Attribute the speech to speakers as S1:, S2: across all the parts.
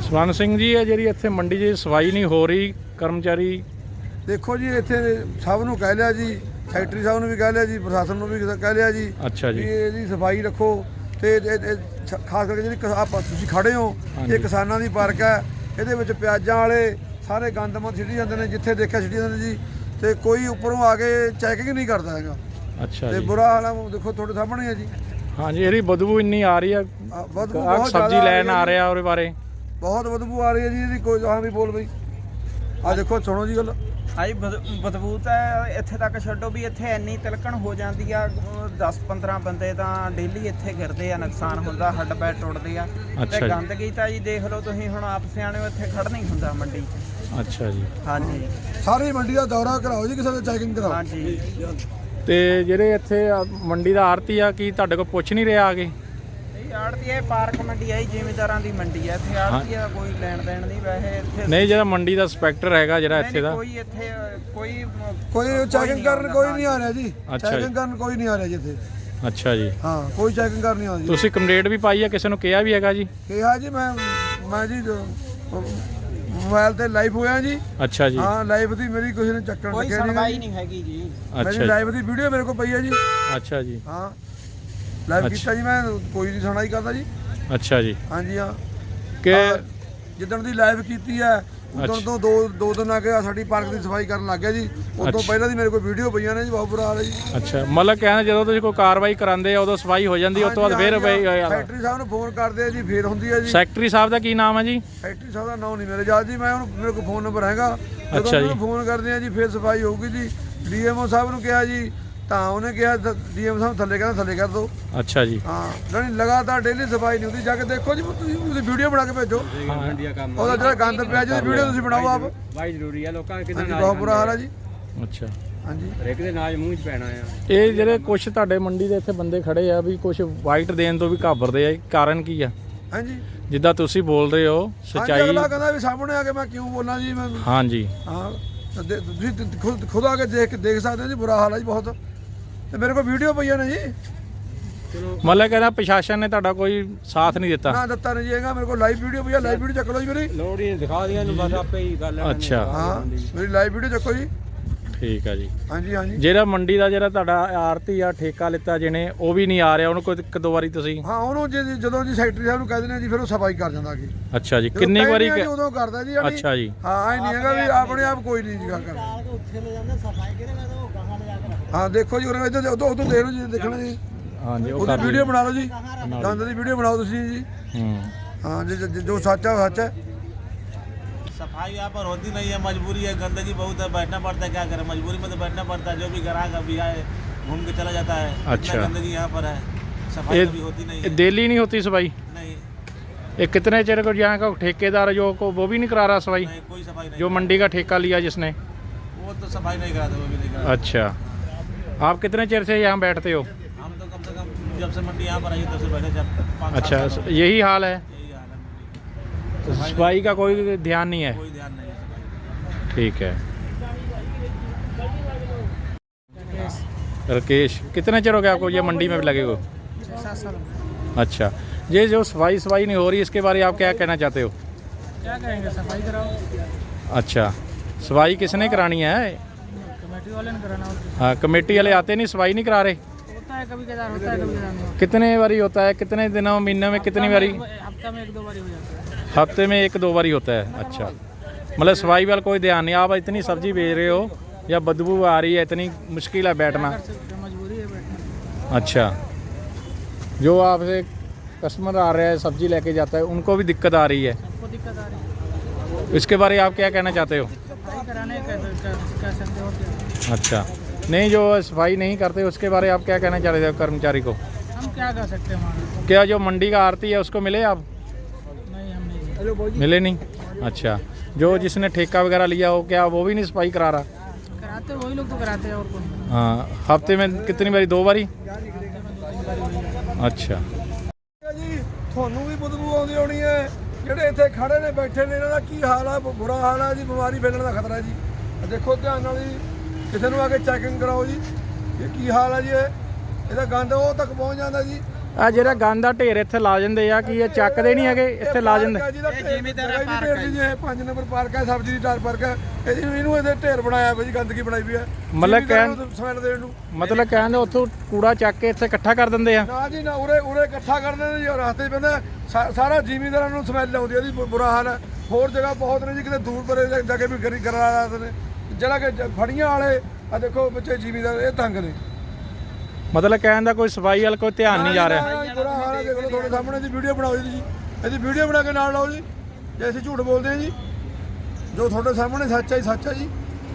S1: ਸਵਰਨ ਸਿੰਘ ਜੀ, ਇਹ ਜਿਹੜੀ ਇੱਥੇ ਮੰਡੀ 'ਚ ਸਫਾਈ ਨਹੀਂ ਹੋ ਰਹੀ, ਕਰਮਚਾਰੀ
S2: देखो जी इत्थे सब नूं कह लिया जी, सैकटरी साहब नूं भी कह लिया जी, प्रशासन नूं भी कह लिया जी।
S1: अच्छा जी।
S2: भी इहदी सफाई रखो ते खास करके जिहड़ी आप तुसीं खड़े हो ये किसानां दी पार्क है, इहदे विच प्याजां वाले सारे गंदमंद छिड़ी जांदे ने, जिੱਥੇ देखिਆ छिड़ी जांदे जी, ते कोई उपरों आके चैकिंग नहीं करदा हैगा।
S1: अच्छा
S2: ते
S1: जी।
S2: बुरा हाल है, देखो ਤੁਹਾਡੇ ਸਾਹਮਣੇ है जी।
S1: हाँ जी, ਇਹਦੀ ਬਦਬੂ ਇੰਨੀ ਆ ਰਹੀ ਹੈ,
S2: बदबू
S1: ਆਹ
S2: बहुत
S1: ਸਬਜ਼ੀ
S2: ज़्यादा
S1: ਲੈਣ ਆ ਰਿਹਾ ਉਹਦੇ ਬਾਰੇ
S2: बहुत बदबू आ रही है जी ਇਹਦੀ। कोई हाँ भी बोल बई आ देखो सुनो जी गल।
S3: ਹਾਂਜੀ ਬਦਬੂ ਤਾਂ ਇੱਥੇ ਤੱਕ ਛੱਡੋ ਵੀ ਇੱਥੇ ਇੰਨੀ ਤਿਲਕਣ ਹੋ ਜਾਂਦੀ ਆ, 10-15 ਬੰਦੇ ਤਾਂ ਡੇਲੀ ਇੱਥੇ ਗਿਰਦੇ ਆ, ਨੁਕਸਾਨ ਹੁੰਦਾ, ਹੱਡ ਪੈਰ ਟੁੱਟਦੇ ਆ।
S1: ਅੱਛਾ
S3: ਤੇ
S1: ਜੀ।
S3: ਗੰਦਗੀ ਤਾਂ ਜੀ ਦੇਖ ਲਓ ਤੁਸੀਂ, ਹੁਣ ਆਪ ਸਿਆਣੇ ਹੋ, ਇੱਥੇ ਖੜਨਾ ਹੀ ਹੁੰਦਾ ਮੰਡੀ 'ਚ।
S1: ਅੱਛਾ ਜੀ।
S3: ਹਾਂਜੀ
S2: ਸਾਰੀ ਮੰਡੀ ਦਾ ਦੌਰਾ ਕਰਾਓ ਜੀ, ਕਿਸੇ ਦਾ ਚੈਕਿੰਗ ਕਰਾਓ।
S3: ਹਾਂਜੀ।
S1: ਤੇ ਜਿਹੜੇ ਇੱਥੇ ਮੰਡੀ ਦਾ ਆੜਤੀ ਆ, ਕੀ ਤੁਹਾਡੇ ਕੋਲ ਪੁੱਛ ਨਹੀਂ ਰਿਹਾ ਆਗੇ?
S3: ਇਹ ਆੜਤੀ ਹੈ, ਪਾਰਕ ਮੰਡੀ ਹੈ, ਜ਼ਿਮੀਂਦਾਰਾਂ ਦੀ ਮੰਡੀ ਹੈ, ਇੱਥੇ ਆੜਤੀ ਦਾ ਕੋਈ ਲੈਣ ਦੇਣ ਨਹੀਂ। ਵੈਸੇ ਇੱਥੇ
S1: ਨਹੀਂ, ਜਿਹੜਾ ਮੰਡੀ ਦਾ ਇੰਸਪੈਕਟਰ ਹੈਗਾ ਜਿਹੜਾ ਇੱਥੇ ਦਾ,
S3: ਕੋਈ ਇੱਥੇ
S2: ਕੋਈ ਚੈਕਿੰਗ ਕਰਨ ਕੋਈ ਨਹੀਂ ਆ ਰਿਹਾ ਜੀ।
S1: ਅੱਛਾ ਜੀ।
S2: ਚੈਕਿੰਗ ਕਰਨ ਕੋਈ ਨਹੀਂ ਆ ਰਿਹਾ ਜੀ ਇੱਥੇ।
S1: ਅੱਛਾ ਜੀ।
S2: ਹਾਂ ਕੋਈ ਚੈਕਿੰਗ ਕਰਨ ਨਹੀਂ ਆਉਂਦੀ।
S1: ਤੁਸੀਂ ਕੰਪਲੇਂਟ ਵੀ ਪਾਈ ਆ, ਕਿਸੇ ਨੂੰ ਕਿਹਾ ਵੀ ਹੈਗਾ ਜੀ?
S2: ਕਿਹਾ ਜੀ ਮੈਂ ਜੀ ਮੋਬਾਈਲ ਤੇ ਲਾਈਵ ਹੋਇਆ ਜੀ।
S1: ਅੱਛਾ ਜੀ।
S2: ਹਾਂ ਲਾਈਵ ਦੀ ਮੇਰੀ ਕਿਸੇ ਨੇ ਚੱਕਣ
S3: ਕੋਈ
S2: ਲੱਗਿਆ
S3: ਸੁਣਵਾਈ ਨਹੀਂ ਹੈਗੀ ਜੀ।
S1: ਅੱਛਾ
S2: ਮੇਰੀ
S1: ਜੀ।
S2: ਲਾਈਵ ਦੀ ਵੀਡੀਓ ਮੇਰੇ ਕੋਲ ਪਈ ਹੈ ਜੀ।
S1: ਅੱਛਾ ਜੀ।
S2: ਹਾਂ ਲਾਈਵ ਕੀਤਾ ਜੀ ਮੈਂ, ਕੋਈ ਨਹੀਂ ਸੁਣਾਈ ਕਰਦਾ ਜੀ।
S1: ਅੱਛਾ ਜੀ।
S2: ਹਾਂਜੀ ਹਾਂ
S1: ਕਿ
S2: ਜਿੱਦਣ ਦੀ ਲਾਈਵ ਕੀਤੀ ਹੈ ਉਦੋਂ ਤੋਂ ਦੋ ਦਿਨ ਆ ਕੇ ਸਾਡੀ ਪਾਰਕ ਦੀ ਸਫਾਈ ਕਰਨ ਲੱਗ ਗਿਆ ਜੀ। ਉਸ ਤੋਂ ਪਹਿਲਾਂ ਦੀ ਮੇਰੇ ਕੋਲ ਵੀਡੀਓ ਪਈਆਂ ਨੇ ਜੀ, ਬਹੁਤ ਬੁਰਾ ਹਾਲ ਹੈ ਜੀ।
S1: ਅੱਛਾ, ਮਤਲਬ ਕਹਿੰਦਾ ਜਦੋਂ ਤੁਸੀਂ ਕੋਈ ਕਾਰਵਾਈ ਕਰਾਉਂਦੇ ਆ ਉਦੋਂ ਸਫਾਈ ਹੋ ਜਾਂਦੀ, ਉਸ ਤੋਂ ਬਾਅਦ ਫਿਰ
S2: ਸੈਕਟਰੀ ਸਾਹਿਬ ਨੂੰ ਫੋਨ ਕਰਦੇ ਆ ਜੀ, ਫੇਰ ਹੁੰਦੀ ਹੈ ਜੀ।
S1: ਸੈਕਟਰੀ ਸਾਹਿਬ ਦਾ ਕੀ ਨਾਮ ਹੈ ਜੀ?
S2: ਸੈਕਟਰੀ ਸਾਹਿਬ ਦਾ ਨਾਮ ਨਹੀਂ ਮੇਰੇ ਯਾਦ ਜੀ, ਮੈਂ ਹੁਣ ਮੇਰੇ ਕੋਲ ਫੋਨ ਨੰਬਰ ਹੈਗਾ। ਜਦੋਂ
S1: ਅੱਛਾ ਜੀ।
S2: ਉਹਨੂੰ ਫੋਨ ਕਰਦੇ ਆ ਜੀ ਫਿਰ ਸਫਾਈ ਹੋਊਗੀ ਜੀ। ਡੀਐਮਓ ਸਾਹਿਬ ਨੂੰ ਕਿਹਾ ਜੀ ਤਾਂ ਉਹਨੇ ਕਿਹਾ ਡੀਐਮ ਸਾਹਿਬ ਥੱਲੇ ਕਹਿੰਦਾ ਥੱਲੇ ਕਰ ਦਿਓ।
S1: ਅੱਛਾ ਜੀ।
S2: ਹਾਂ ਨਹੀਂ ਲਗਾਤਾਰ ਡੇਲੀ ਸਫਾਈ ਨਹੀਂ ਹੁੰਦੀ, ਜਾ ਕੇ ਦੇਖੋ ਜੀ, ਤੁਸੀਂ ਉਹਦੀ ਵੀਡੀਓ ਬਣਾ ਕੇ ਭੇਜੋ। ਉਹਦਾ ਜਿਹੜਾ ਗੰਦ ਪਿਆ ਜੀ ਉਹਦੀ ਵੀਡੀਓ ਤੁਸੀਂ ਬਣਾਓ ਆਪ।
S4: ਬਾਈ ਜ਼ਰੂਰੀ ਆ, ਲੋਕਾਂ ਕਿਦਾਂ
S2: ਹਾਂਜੀ ਬਹੁਤ ਬੁਰਾ ਹਾਲ ਹੈ ਜੀ।
S1: ਅੱਛਾ।
S2: ਹਾਂਜੀ
S4: ਹਰੇਕ ਦੇ ਨਾਜ ਮੂੰਹ 'ਚ ਪੈਣਾ ਆ।
S1: ਇਹ ਜਿਹੜੇ ਕੁਝ ਤੁਹਾਡੇ ਮੰਡੀ ਦੇ ਇੱਥੇ ਬੰਦੇ ਖੜੇ ਆ ਵੀ ਕੁਝ ਵਾਈਟ ਦੇਣ ਤੋਂ ਵੀ ਘਾਬਰਦੇ ਆ, ਕਾਰਨ ਕੀ ਆ?
S2: ਹਾਂਜੀ
S1: ਜਿੱਦਾਂ ਤੁਸੀਂ ਬੋਲ ਰਹੇ ਹੋ ਸੱਚਾਈ।
S2: ਅਗਲਾ ਕਹਿੰਦਾ ਵੀ ਸਾਹਮਣੇ ਆ ਕੇ ਮੈਂ ਕਿਉਂ ਬੋਲਾਂ ਜੀ ਮੈਂ।
S1: ਹਾਂਜੀ।
S2: ਹਾਂ ਤੁਸੀਂ ਖੁਦ ਆ ਕੇ ਦੇਖ ਸਕਦੇ ਹੋ ਜੀ, ਬੁਰਾ ਹਾਲ ਹੈ ਜੀ ਬਹੁਤ। ਤੇ ਮੇਰੇ ਕੋਲ ਵੀਡੀਓ ਪਈਆਂ ਨੇ ਜੀ।
S1: ਮਤਲਬ ਕਹਿੰਦਾ ਪ੍ਰਸ਼ਾਸਨ ਨੇ ਤੁਹਾਡਾ ਕੋਈ ਸਾਥ ਨਹੀਂ ਦਿੱਤਾ?
S2: ਨਾ ਦਿੱਤਾ ਨਹੀਂ ਜੀ ਹੈਗਾ, ਮੇਰੇ ਕੋਲ ਲਾਈਵ ਵੀਡੀਓ ਪਈ ਆ। ਲਾਈਵ ਵੀਡੀਓ ਚੱਕ ਲਓ ਜੀ ਮੇਰੀ।
S4: ਲੋੜ ਹੀ ਦਿਖਾ ਦਿਆਂ ਨੂੰ ਬਸ ਆਪੇ ਹੀ ਗੱਲ ਹੈ।
S1: ਅੱਛਾ।
S2: ਹਾਂ ਮੇਰੀ ਲਾਈਵ ਵੀਡੀਓ ਚੱਕੋ ਜੀ।
S1: ਠੀਕ ਆ ਜੀ।
S2: ਹਾਂਜੀ ਹਾਂਜੀ
S1: ਜਿਹੜਾ ਮੰਡੀ ਦਾ ਜਿਹੜਾ ਤੁਹਾਡਾ ਆੜਤੀ ਆ ਠੇਕਾ ਲਿੱਤਾ ਜਿਹਨੇ, ਉਹ ਵੀ ਨਹੀਂ ਆ ਰਿਹਾ, ਉਹਨੂੰ ਕੋਈ ਇੱਕ ਦੋ ਵਾਰੀ ਤੁਸੀਂ?
S2: ਹਾਂ ਉਹਨੂੰ ਜਦੋਂ ਜੀ ਸੈਕਟਰੀ ਸਾਹਿਬ ਨੂੰ ਕਹਿ ਦਿੰਦੇ ਆ ਜੀ, ਫਿਰ ਉਹ ਸਫਾਈ ਕਰ ਜਾਂਦਾ ਅੱਗੇ।
S1: ਅੱਛਾ ਜੀ। ਕਿੰਨੀ ਵਾਰੀ?
S2: ਉਦੋਂ ਕਰਦਾ ਜੀ।
S1: ਅੱਛਾ ਜੀ।
S2: ਹਾਂ ਇਹ ਨਹੀਂ ਹੈਗਾ ਵੀ ਆਪਣੇ ਆਪ ਕੋਈ ਨਹੀਂ ਜੀ ਕਰਦਾ। ਹਾਂ ਦੇਖੋ ਜੀ ਉਦੋਂ ਦੇਖ ਲਓ ਜੀ, ਦੇਖਣਾ ਜੀ।
S1: ਹਾਂਜੀ ਉਹ
S2: ਉਹਦੀ ਵੀਡੀਓ ਬਣਾ ਲਓ ਜੀ, ਗੰਦ ਦੀ ਵੀਡੀਓ ਬਣਾਓ ਤੁਸੀਂ ਜੀ। ਹਾਂ ਜੋ ਸੱਚ ਹੈ ਉਹ ਸੱਚ है।
S5: सफाई यहाँ पर होती नहीं है, मजबूरी है, गंदगी बहुत है, बैठना पड़ता है, क्या करें, मजबूरी में तो बैठना पड़ता है। जो भी ग्राहक अभी आए घूम के चला जाता है।
S1: अच्छा।
S5: इतना गंदगी यहाँ पर है, सफाई कभी होती नहीं है।
S1: डेली नहीं होती सफाई?
S5: नहीं
S1: ये कितने चेर को यहाँ का ठेकेदार जो को वो भी नहीं करा रहा सफाई?
S5: नहीं, कोई सफाई नहीं।
S1: जो मंडी का ठेका लिया जिसने,
S5: वो तो सफाई नहीं कराते, वो भी नहीं कराते।
S1: अच्छा। आप कितने चेर से यहाँ बैठते हो?
S5: हम तो कम से कम जब से मंडी यहाँ पर आई तब से बैठे, जब 5-7
S1: अच्छा,
S5: साल हो गए।
S1: यही हाल है?
S5: यही हाल है मंडी की।
S1: सफाई का कोई ध्यान नहीं है?
S5: कोई ध्यान नहीं है।
S1: ठीक है। राकेश, कितने चेर हो गया आपको ये मंडी में लगे हो?
S3: 7 साल।
S1: अच्छा। ये जो सफाई नहीं हो रही, इसके बारे में आप क्या कहना चाहते हो?
S3: क्या करेंगे, सफाई कराओ।
S1: अच्छा, सफाई किसने करानी है?
S3: कमेटी वाले ने कराना होता
S1: हाँ, कमेटी वाले आते नहीं, सफाई नहीं करा रहे?
S3: है, कभी कदार होता है, कभी कदार नहीं होता।
S1: कितने बारी होता है? कितने दिनों महीने में कितनी बारी?
S3: हफ्ता में 1-2 बारी हो जाता है।
S1: हफ्ते में 1-2 बारी होता है। अच्छा, मतलब सफाई वाला कोई ध्यान नहीं। आप इतनी सब्जी बेच रहे हो या बदबू आ रही है, इतनी मुश्किल है बैठना?
S3: मजबूरी है बैठना।
S1: अच्छा। जो आपसे कस्टमर आ रहा है सब्जी लेके जाता है, उनको भी दिक्कत आ रही है?
S3: सबको दिक्कत आ रही है।
S1: इसके बारे में आप क्या कहना चाहते हो?
S3: सफाई कराने कह सकते हो क्या?
S1: अच्छा। नहीं, जो सफाई नहीं करते उसके बारे में आप क्या कहना चाह रहे थे कर्मचारी को?
S3: हम क्या कर सकते हैं वहाँ?
S1: क्या जो मंडी का आरती है उसको मिले आप?
S3: नहीं, हम नहीं
S1: मिले नहीं? अच्छा। जो जिसने ठेका वगैरह लिया हो, क्या वो भी नहीं सफाई करा रहा?
S3: कराते वही लोग तो कराते हैं, और कौन?
S1: हाँ। हफ्ते में कितनी बारी? 2 बारी? अच्छा।
S2: ਜੀ ਤੁਹਾਨੂੰ ਵੀ ਬਦਬੂ ਆਉਂਦੀ ਹੋਣੀ ਹੈ, ਜਿਹੜੇ ਇੱਥੇ ਖੜੇ ਨੇ ਬੈਠੇ ਨੇ, ਇਹਨਾਂ ਦਾ ਕੀ ਹਾਲ ਹੈ? ਬੁਰਾ ਹਾਲ ਹੈ ਜੀ, ਬਿਮਾਰੀ ਫੈਲਣ ਦਾ ਖਤਰਾ ਜੀ। ਦੇਖੋ ਧਿਆਨ ਨਾਲ ਜੀ, ਕਿਸੇ ਨੂੰ ਆ ਕੇ ਚੈਕਿੰਗ ਕਰਾਓ ਜੀ। ਇਹ ਕੀ ਹਾਲ ਹੈ ਜੀ? ਇਹਦਾ ਗੰਦ ਉਹ ਤੱਕ ਪਹੁੰਚ ਜਾਂਦਾ ਜੀ।
S1: ਆ ਜਿਹੜਾ ਗੰਦ ਦਾ ਢੇਰ ਇੱਥੇ ਲਾ ਜਾਂਦੇ ਆ, ਕੀ ਇਹ ਚੱਕਦੇ ਨਹੀਂ ਹੈਗੇ? ਇੱਥੇ ਲਾ ਜਾਂਦੇ।
S3: ਇਹ ਜ਼ਿਮੀਂਦਾਰਾਂ ਪਾਰਕ ਹੈ
S2: ਜੀ, ਇਹ 5 ਨੰਬਰ ਪਾਰਕ ਹੈ, ਸਬਜ਼ੀ ਦੀ ਟਾਰ ਪਾਰਕ ਹੈ। ਇਹਨੂੰ ਇਹਦੇ ਢੇਰ ਬਣਾਇਆ ਬਈ, ਗੰਦਗੀ ਬਣਾਈ ਵੀ ਹੈ
S1: ਮਤਲਬ
S2: ਸਮੈਲ ਦੇਣ ਨੂੰ।
S1: ਮਤਲਬ ਕਹਿੰਦੇ ਉੱਥੋਂ ਕੂੜਾ ਚੱਕ ਕੇ ਇੱਥੇ ਇਕੱਠਾ ਕਰ ਦਿੰਦੇ ਆ?
S2: ਨਾ ਜੀ ਨਾ, ਉਰੇ ਇਕੱਠਾ ਕਰਦੇ ਨੇ ਜੀ, ਰਸਤੇ 'ਚ ਪੈਂਦਾ ਸਾਰਾ ਜ਼ਿਮੀਂਦਾਰਾਂ ਨੂੰ ਸਮੈਲ ਆਉਂਦੀ ਹੈ, ਇਹਦੀ ਬੁਰਾ ਹਾਲ ਹੈ। ਹੋਰ ਜਗ੍ਹਾ ਬਹੁਤ ਨੇ ਜੀ, ਕਿਤੇ ਦੂਰ ਪਰੇ ਜਾ ਕੇ ਵੀ ਕਰਾ ਰਹੇ ਨੇ, ਜਿਹੜਾ ਕਿ ਫੜੀਆਂ ਵਾਲੇ ਆ ਦੇਖੋ ਬੱਚੇ ਜ਼ਿਮੀਂਦਾਰ ਇਹ ਤੰਗ ਨੇ।
S1: ਮਤਲਬ ਕਹਿਣ ਦਾ ਕੋਈ ਸਫਾਈ ਵੱਲ ਕੋਈ ਧਿਆਨ ਨਹੀਂ ਜਾ ਰਿਹਾ।
S2: ਬੁਰਾ ਹਾਲ ਹੈ, ਦੇਖ ਲਓ ਤੁਹਾਡੇ ਸਾਹਮਣੇ ਦੀ ਵੀਡੀਓ ਬਣਾਓ ਜੀ, ਇਹਦੀ ਵੀਡੀਓ ਬਣਾ ਕੇ ਨਾਲ ਲਾਓ ਜੀ, ਜੇ ਅਸੀਂ ਝੂਠ ਬੋਲਦੇ ਹਾਂ ਜੀ, ਜੋ ਤੁਹਾਡੇ ਸਾਹਮਣੇ ਸੱਚ ਹੈ ਸੱਚ ਹੈ ਜੀ।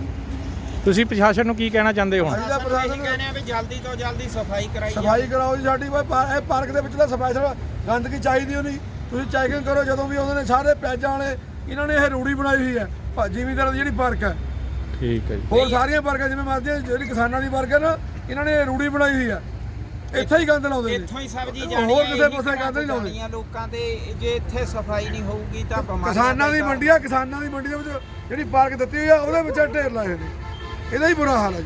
S1: ਤੁਸੀਂ ਪ੍ਰਸ਼ਾਸਨ ਨੂੰ ਕੀ ਕਹਿਣਾ ਚਾਹੁੰਦੇ ਹੋ?
S2: ਅਸੀਂ ਤਾਂ ਪ੍ਰਸ਼ਾਸਨ ਨੂੰ
S3: ਕਹਿੰਦੇ ਆ ਵੀ ਜਲਦੀ ਤੋਂ ਜਲਦੀ ਸਫਾਈ ਕਰਾਈ ਜਾਵੇ।
S2: ਸਫਾਈ ਕਰਾਓ ਜੀ ਸਾਡੀ, ਇਹ ਪਾਰਕ ਦੇ ਵਿੱਚ ਤਾਂ ਸਫਾਈ ਸਾਡਾ ਗੰਦਗੀ ਚਾਹੀਦੀ ਨਹੀਂ। ਤੁਸੀਂ ਚੈਕਿੰਗ ਕਰੋ ਜਦੋਂ ਵੀ ਆਉਂਦੇ ਨੇ, ਸਾਰੇ ਪਿਆਜ਼ਾਂ ਵਾਲੇ ਇਹਨਾਂ ਨੇ ਇਹ ਰੂੜੀ ਬਣਾਈ ਹੋਈ ਹੈ ਜ਼ਿਮੀਂਦਾਰਾਂ ਦੀ ਜਿਹੜੀ ਪਾਰਕ ਹੈ।
S1: ਠੀਕ ਹੈ ਜੀ।
S2: ਹੋਰ ਸਾਰੀਆਂ ਪਾਰਕਾਂ ਜਿਵੇਂ ਮਰਜ਼ੀ, ਜਿਹੜੀ ਕਿਸਾਨਾਂ ਦੀ ਪਾਰਕ ਹੈ ਨਾ, ਇਹਨਾਂ ਨੇ ਇਹ ਰੂੜੀ ਬਣਾਈ ਹੋਈ ਹੈ, ਇੱਥੇ ਹੀ ਗੰਦ ਲਾਉਂਦੇ ਨੇ।
S3: ਇੱਥੋਂ ਹੀ ਸਬਜ਼ੀ
S2: ਹੋਰ
S3: ਜਾਣੀ ਹੈ,
S2: ਕਿਸੇ ਪਾਸੇ ਗੰਦ ਨਹੀਂ ਲਾਉਂਦੇ।
S3: ਲੋਕਾਂ ਤੇ ਜੇ ਇੱਥੇ ਸਫਾਈ ਨਹੀਂ ਹੋਊਗੀ ਤਾਂ ਬਿਮਾਰੀਆਂ
S2: ਕਿਸਾਨਾਂ ਦੀ ਮੰਡੀ ਆ, ਕਿਸਾਨਾਂ ਦੀ ਮੰਡੀ ਦੇ ਵਿੱਚ ਜਿਹੜੀ ਪਾਰਕ ਦਿੱਤੀ ਹੋਈ ਆ ਉਹਦੇ ਵਿੱਚ ਢੇਰ ਲਾਏ ਹੋਏ ਨੇ, ਇਹਦਾ ਹੀ ਬੁਰਾ ਹਾਲ ਹੈ ਜੀ।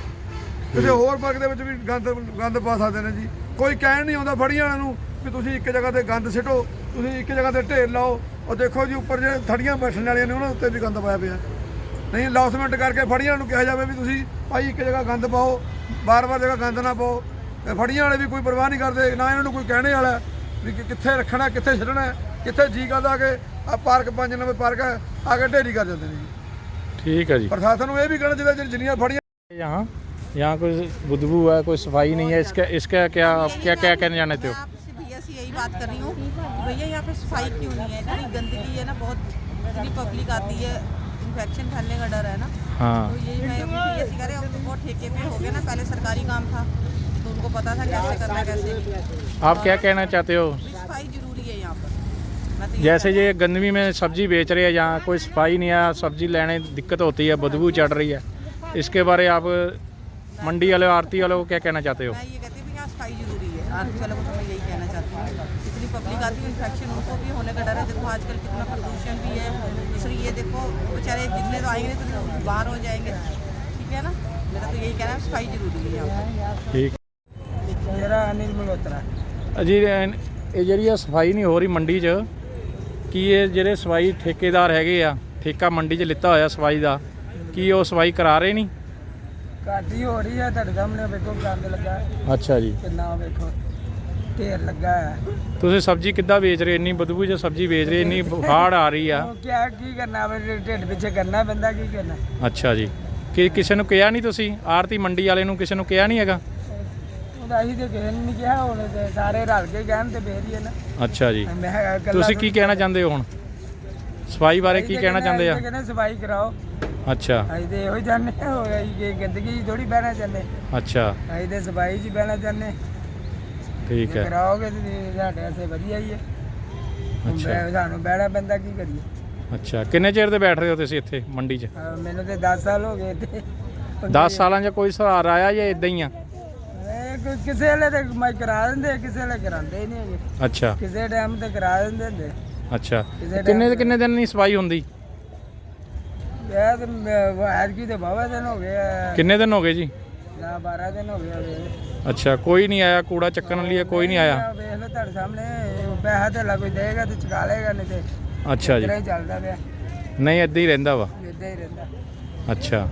S2: ਕਿਸੇ ਹੋਰ ਪਾਰਕ ਦੇ ਵਿੱਚ ਵੀ ਗੰਦ ਪਾ ਸਕਦੇ ਨੇ ਜੀ, ਕੋਈ ਕਹਿਣ ਨਹੀਂ ਆਉਂਦਾ ਫੜੀਆਂ ਵਾਲਿਆਂ ਨੂੰ ਵੀ ਤੁਸੀਂ ਇੱਕ ਜਗ੍ਹਾ ਤੇ ਗੰਦ ਸਿੱਟੋ, ਤੁਸੀਂ ਇੱਕ ਜਗ੍ਹਾ ਤੇ ਢੇਰ ਲਾਓ। ਉਹ ਦੇਖੋ ਜੀ ਉੱਪਰ ਜਿਹੜੇ ਥੜੀਆਂ ਬੈਠਣ ਵਾਲੀਆਂ ਨੇ ਉਹਨਾਂ ਉੱਤੇ ਵੀ ਗੰਦ ਪਾਇਆ ਪਿਆ। ਨਹੀਂ ਅਨਾਉਂਸਮੈਂਟ ਕਰਕੇ ਫੜੀਆਂ ਨੂੰ ਕਿਹਾ ਜਾਵੇ ਵੀ ਤੁਸੀਂ ਭਾਈ ਇੱਕ ਜਗ੍ਹਾ ਗੰਦ ਪਾਓ, ਬਾਰ-ਬਾਰ ਜਗ੍ਹਾ ਗੰਦ ਨਾ ਪਾਓ। ਤੇ ਫੜੀਆਂ ਵਾਲੇ ਵੀ ਕੋਈ ਪਰਵਾਹ ਨਹੀਂ ਕਰਦੇ, ਨਾ ਇਹਨਾਂ ਨੂੰ ਕੋਈ ਕਹਿਣੇ ਵਾਲਾ ਵੀ ਕਿੱਥੇ ਰੱਖਣਾ, ਕਿੱਥੇ ਛੱਡਣਾ, ਕਿੱਥੇ ਜੀ ਕਰਦਾ ਕਿ ਆ ਪਾਰਕ 5 ਨੰਬਰ ਪਾਰਕ ਹੈ ਆ ਕੇ ਢੇਰੀ ਕਰ ਜਾਂਦੇ ਨੇ ਜੀ।
S1: ठीक है जी।
S2: प्रशासन को ये भी कहना चाहिए जिन्नियां फड़ियां
S1: यहाँ कोई बदबू है, कोई सफाई नहीं है, इसका क्या क्या क्या कहने जाने थे?
S6: आपसे भैया से यही बात कर रही हूँ कि भैया यहाँ पे सफाई क्यों नहीं है? इतनी गंदगी है ना, बहुत इतनी पब्लिक आती है, इन्फेक्शन फैलने का डर है ना।
S1: हाँ।
S6: तो यही मैं भैया से कह रहे अब तो बहुत ठेके पे हो गए ना, पहले सरकारी काम था तो उनको पता था कैसे करना कैसे नहीं।
S1: आप क्या कहना चाहते हो?
S6: सफाई जरूरी है यहाँ पर। मैं तो
S1: जैसे ये गंदगी में सब्जी बेच रहे हैं, यहाँ कोई सफाई नहीं है, सब्जी लेने दिक्कत होती है, बदबू चढ़ रही है, इसके बारे आप मंडी वाले आरती वालों को क्या कहना चाहते हो?
S6: मैं ये कहती हूँ कि यहाँ सफाई जरूरी है। आरती वालों को तो मैं यही कहना चाहती हूँ, इतनी पब्लिक आती है, इन्फेक्शन उनको भी होने का डर है। देखो आजकल कितना प्रदूषण भी है, इसलिए ये देखो बेचारे जितने तो आएंगे तो बाहर हो जाएंगे, ठीक है ना। मेरा तो यही कहना है सफाई जरूरी है यहाँ पर।
S1: ठीक।
S3: ਮੇਰਾ ਅਨਿਲ ਮਲਹੋਤਰਾ।
S1: ਜੀ ਇਹ ਜਿਹੜੀ ਆ ਸਫਾਈ ਨਹੀਂ ਹੋ ਰਹੀ ਮੰਡੀ 'ਚ, ਕੀ ਇਹ ਜਿਹੜੇ ਸਫਾਈ ਠੇਕੇਦਾਰ ਹੈਗੇ ਆ, ਠੇਕਾ ਮੰਡੀ 'ਚ ਲਿੱਤਾ ਹੋਇਆ ਸਫਾਈ ਦਾ, ਕੀ ਉਹ ਸਫਾਈ ਕਰਾ ਰਹੇ ਨਹੀਂ?
S3: ਕਾਦੀ ਹੋ ਰਹੀ ਹੈ, ਤੁਹਾਡੇ ਸਾਹਮਣੇ ਵੇਖੋ ਗੰਦ ਲੱਗਾ ਹੈ,
S1: ਅੱਛਾ ਜੀ।
S3: ਕਿੰਨਾ ਵੇਖੋ ਢੇਰ ਲੱਗਾ ਹੈ।
S1: ਤੁਸੀਂ ਸਬਜ਼ੀ ਕਿੱਦਾਂ ਵੇਚ ਰਹੇ? ਇੰਨੀ ਬਦਬੂ 'ਚ ਸਬਜ਼ੀ ਵੇਚ ਰਹੇ, ਇੰਨੀ ਬੁਖਾਰ ਆ ਰਹੀ ਆ।
S3: ਉਹ ਕੀ ਕਰਨਾ, ਢਿੱਡ ਪਿੱਛੇ ਕਰਨਾ ਪੈਂਦਾ, ਕੀ ਕਰਨਾ।
S1: ਅੱਛਾ ਜੀ। ਕਿ ਕਿਸੇ ਨੂੰ ਕਿਹਾ ਨਹੀਂ ਤੁਸੀਂ? ਆਰਤੀ ਮੰਡੀ ਵਾਲੇ ਨੂੰ ਕਿਸੇ ਨੂੰ ਕਿਹਾ ਨਹੀਂ ਹੈਗਾ?
S3: ਉਹਦਾ ਅਸੀਂ ਤੇ ਕਿਸੇ ਨੂੰ ਨਹੀਂ ਕਿਹਾ, ਹੁਣ ਤੇ ਸਾਰੇ ਰਲ ਕੇ ਕਹਿਣ ਤੇ ਫੇਰ ਹੀ ਹੈ ਨਾ।
S1: ਅੱਛਾ ਜੀ।
S3: ਮੈਂ ਕਿਹਾ ਇਕੱਲਾ
S1: ਤੁਸੀਂ ਕੀ ਕਹਿਣਾ ਚਾਹੁੰਦੇ ਹੋ ਹੁਣ ਸਫਾਈ ਬਾਰੇ? ਕੀ ਕਹਿਣਾ ਚਾਹੁੰਦੇ ਆ?
S3: ਕਹਿੰਦੇ ਸਫਾਈ ਕਰਾਓ।
S1: ਅੱਛਾ
S3: ਅਸੀਂ ਤੇ ਇਹੋ ਹੀ ਚਾਹੁੰਦੇ ਹਾਂ, ਹੋਰ ਅਸੀਂ ਕਿ ਗੰਦਗੀ ਥੋੜੀ ਬਹਿਣਾ ਚਾਹੁੰਦੇ,
S1: ਅੱਛਾ
S3: ਅਸੀਂ ਤੇ ਸਫਾਈ 'ਚ ਹੀ ਬਹਿਣਾ ਚਾਹੁੰਦੇ।
S1: ਠੀਕ ਹੈ।
S3: ਕਰਾਓਗੇ ਤੇ ਸਾਡੇ ਵਾਸਤੇ ਵਧੀਆ ਹੀ ਹੈ।
S1: ਅੱਛਾ
S3: ਸਾਨੂੰ ਬਹਿਣਾ ਪੈਂਦਾ, ਕੀ ਕਰੀਏ।
S1: ਅੱਛਾ ਕਿੰਨੇ ਚਿਰ ਦੇ ਬੈਠ ਰਹੇ ਹੋ ਤੁਸੀਂ ਇੱਥੇ ਮੰਡੀ 'ਚ?
S3: ਮੈਨੂੰ ਤੇ 10 ਸਾਲ ਹੋ ਗਏ ਤੇ
S1: 10 ਸਾਲਾਂ 'ਚ ਕੋਈ ਸੁਧਾਰ ਆਇਆ ਜਾਂ ਇਦਾਂ ਹੀ ਆ?
S3: ਕਿਸੇ ਵੇਲੇ ਤੇ ਮੈਂ ਕਰਾ ਦਿੰਦੇ, ਕਿਸੇ ਵੇਲੇ ਕਰਾਉਂਦੇ ਹੀ ਨਹੀਂ ਹੈਗੇ,
S1: ਅੱਛਾ
S3: ਕਿਸੇ ਟਾਈਮ ਤੇ ਕਰਾ ਦਿੰਦੇ ਹੁੰਦੇ।
S1: ਅੱਛਾ ਕਿੰਨੇ ਦਿਨ ਨਹੀਂ ਸਫਾਈ ਹੁੰਦੀ?
S3: ਇਹ ਤੇ ਐਤਕੀ ਤੇ ਬਾਵਾ ਦਿਨ ਹੋ ਗਏ ਆ,
S1: ਕਿੰਨੇ ਦਿਨ ਹੋ ਗਏ ਜੀ?
S3: ਨਾ 12 ਦਿਨ ਹੋ ਗਏ ਆ।
S1: ਅੱਛਾ ਕੋਈ ਨਹੀਂ ਆਇਆ ਕੂੜਾ ਚੱਕਣ ਲਈ? ਕੋਈ ਨਹੀਂ ਆਇਆ?
S3: ਵੇਖ ਲਓ ਤੁਹਾਡੇ ਸਾਹਮਣੇ, ਪੈਸਾ ਤੇ ਕੋਈ ਦੇਗਾ ਤੇ ਚੁਕਾ ਲੇਗਾ, ਨਹੀਂ ਤੇ
S1: ਅੱਛਾ ਜੀ।
S3: ਇਦਾਂ ਹੀ ਚੱਲਦਾ ਪਿਆ,
S1: ਨਹੀਂ ਇੱਦਾਂ ਹੀ ਰਹਿੰਦਾ ਵਾ?
S3: ਇਦਾਂ ਹੀ ਰਹਿੰਦਾ।
S1: ਅੱਛਾ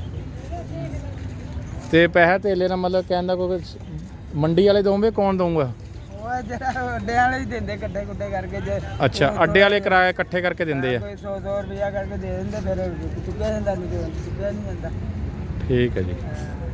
S1: ਤੇ ਪੈਸਾ ਧੇਲੇ ਨਾਲ ਮਤਲਬ ਕਹਿੰਦਾ ਕੋਈ ਮੰਡੀ ਵਾਲੇ ਦੋਵੇਂ, ਕੌਣ ਦਊਗਾ?
S3: ਉਹ ਜਿਹੜਾ ਅੱਡਿਆਂ ਵਾਲੇ ਹੀ ਦਿੰਦੇ, ਕੱਟੇ ਕੁੱਟੇ ਕਰਕੇ। ਜੇ
S1: ਅੱਛਾ ਅੱਡੇ ਵਾਲੇ ਕਿਰਾਇਆ ਇਕੱਠੇ ਕਰਕੇ ਦਿੰਦੇ ਆ?
S3: ਕੋਈ 100 ਰੁਪਇਆ ਕਰਕੇ ਦੇ ਦਿੰਦੇ, ਫਿਰ ਚੁੱਕਿਆ ਜਾਂਦਾ, ਨਹੀਂ ਤੇ ਚੁੱਕਿਆ ਨਹੀਂ ਜਾਂਦਾ।
S1: ਠੀਕ ਹੈ ਜੀ।
S3: ਹਾਂ।